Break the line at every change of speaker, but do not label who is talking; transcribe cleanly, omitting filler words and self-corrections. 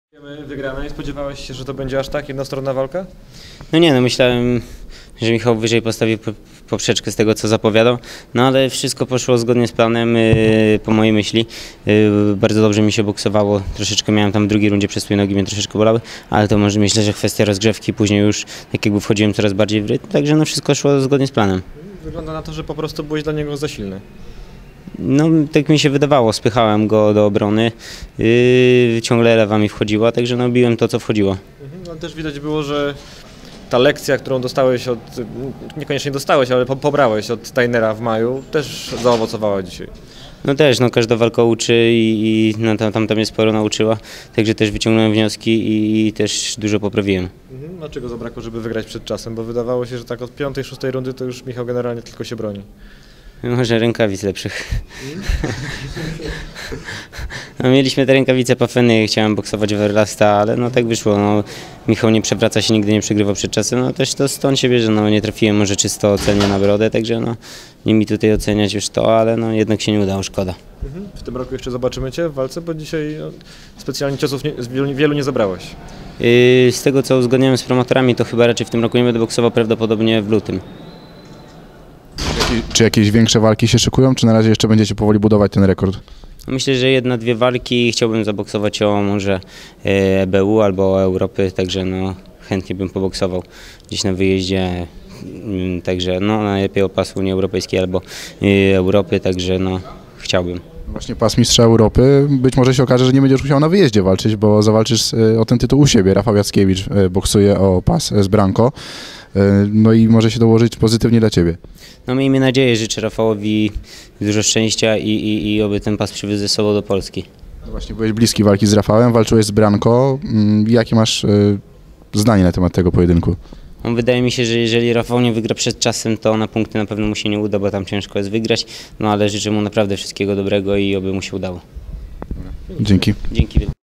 Wygranej. Spodziewałeś się, że to będzie aż tak jednostronna walka?
No nie, no myślałem, że Michał wyżej postawi poprzeczkę z tego, co zapowiadał, no ale wszystko poszło zgodnie z planem, po mojej myśli. Bardzo dobrze mi się boksowało, troszeczkę miałem tam w drugiej rundzie przestój, nogi mnie troszeczkę bolały, ale to może myślę, że kwestia rozgrzewki, później już tak jakby wchodziłem coraz bardziej w rytm, także no wszystko szło zgodnie z planem.
Wygląda na to, że po prostu byłeś dla niego za silny.
No tak mi się wydawało, spychałem go do obrony, ciągle lewa mi wchodziła, także no biłem to, co wchodziło.
Ale też widać było, że ta lekcja, którą dostałeś niekoniecznie dostałeś, ale pobrałeś od Tainera w maju, też zaowocowała dzisiaj.
No też, no każda walka uczy i no, tam mnie sporo nauczyła, także też wyciągnąłem wnioski i też dużo poprawiłem.
Dlaczego zabrakło, żeby wygrać przed czasem? Bo wydawało się, że tak od 5., 6. rundy to już Michał generalnie tylko się broni.
Może rękawic lepszych. No, mieliśmy te rękawice Pafeny, chciałem boksować Verlasta, ale no tak wyszło. No, Michał nie przewraca się, nigdy nie przegrywał przed czasem, no też to stąd się bierze, no nie trafiłem może czysto ocenię na brodę, także no nie mi tutaj oceniać już to, ale no jednak się nie udało, szkoda.
W tym roku jeszcze zobaczymy Cię w walce, bo dzisiaj specjalnie ciosów wielu nie zabrałeś.
Z tego co uzgodniałem z promotorami, to chyba raczej w tym roku nie będę boksował, prawdopodobnie w lutym.
Czy jakieś większe walki się szykują, czy na razie jeszcze będziecie powoli budować ten rekord?
Myślę, że 1-2 walki, chciałbym zaboksować o może EBU albo o Europy, także no chętnie bym poboksował gdzieś na wyjeździe, także no najlepiej o pas Unii Europejskiej albo Europy, także no chciałbym.
Właśnie pas mistrza Europy, być może się okaże, że nie będziesz musiał na wyjeździe walczyć, bo zawalczysz o ten tytuł u siebie. Rafał Jackiewicz boksuje o pas z Branco, no i może się dołożyć pozytywnie dla Ciebie.
No miejmy nadzieję, życzę Rafałowi dużo szczęścia i oby ten pas przywiózł ze sobą do Polski.
No właśnie, byłeś bliski walki z Rafałem, walczyłeś z Branco. Jakie masz zdanie na temat tego pojedynku?
No, wydaje mi się, że jeżeli Rafał nie wygra przed czasem, to na punkty na pewno mu się nie uda, bo tam ciężko jest wygrać, no ale życzę mu naprawdę wszystkiego dobrego i oby mu się udało.
Dzięki.
Dzięki.